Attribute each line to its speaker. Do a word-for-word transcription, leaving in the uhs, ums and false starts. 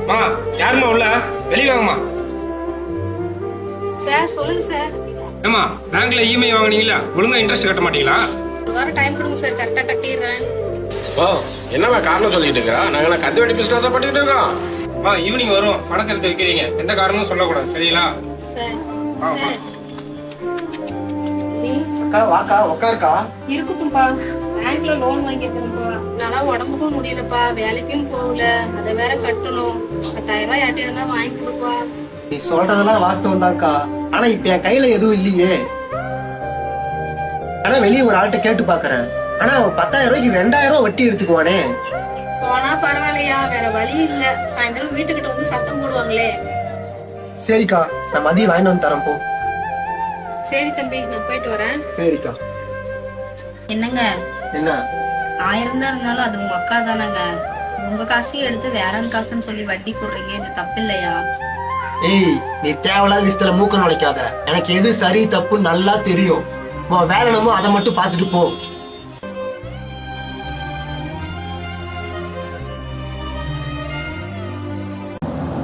Speaker 1: மா யாருமா உள்ள வெளியே வாங்கம்மா.
Speaker 2: சார் சொல்லுங்க சார்.
Speaker 1: ஏமா பேங்க்ல இஎம்ஐ வாங்குனீங்களா, ஒழுங்கா இன்ட்ரெஸ்ட் கட்ட மாட்டீங்களா?
Speaker 2: ஒரு வாரம் டைம் கொடுங்க சார், கரெக்டா கட்டிடுறேன்.
Speaker 3: ஓ என்னமா காரணம் சொல்லிட்டு இருக்கா? நாங்க கந்து வெட்டி பிசினஸ் பண்ணிட்டு இருக்கோம்.
Speaker 1: மா ஈவினிங் வரும், பணத்தை எடுத்து வைக்கிறீங்க, எந்த காரணமும் சொல்லக்கூடாது, சரிங்களா?
Speaker 2: சார்
Speaker 1: ஆ,
Speaker 2: சார்
Speaker 4: அக்கா வாக்கா உட்காருக்கா.
Speaker 2: இருக்கட்டும்பா, பேங்க்ல லோன் வாங்கிருக்கிறேன்ப்பா. நல்லா உடம்புக்கும் முடியலப்பா, வேலைக்கும் போகல, அதை வேற கட்டணும். பத்தாயிரம் ரூபாய் யார்கிட்ட இருந்தா வாங்கி கொடுப்பா.
Speaker 4: நீ சொல்றதெல்லாம் வாஸ்தவம் தான்க்கா. ஆனா இப்ப என் கையில எதுவும் இல்லையே. ஆனா வெளியே ஒரு ஆள்கிட்ட கேட்டு பாக்குறேன். ஆனா அவன் பத்தாயிரம் ரூபாய்க்கு ரெண்டாயிரம் ரூபாய் வட்டி எடுத்துக்குவானே.
Speaker 2: போனா பரவாயில்லையா, வேற வழி இல்ல. சாயந்தரம் வீட்டுக்கிட்ட வந்து சத்தம் போடுவாங்களே.
Speaker 4: சரிக்கா, நான் மதியம் வாங்கிட்டு வந்து தரேன் போ.
Speaker 2: சரி தம்பி, நான் போயிட்டு வரேன்.
Speaker 4: சரிக்கா.
Speaker 5: என்னங்க,
Speaker 4: என்ன
Speaker 5: ஆயிரம் தான் இருந்தாலும் அது உங்க அக்கா தானங்க. உங்க காசையும் எடுத்து வேற காசுன்னு சொல்லி வட்டி போடுறீங்க, இது தப்பு இல்லையா?
Speaker 4: ஏய், நீ தேவையில்லாத விஷயத்துல மூக்க நுழைக்காத. எனக்கு எது சரி தப்பு நல்லா தெரியும். உன் வேலை என்னமோ அதை மட்டும் பாத்துட்டு போ.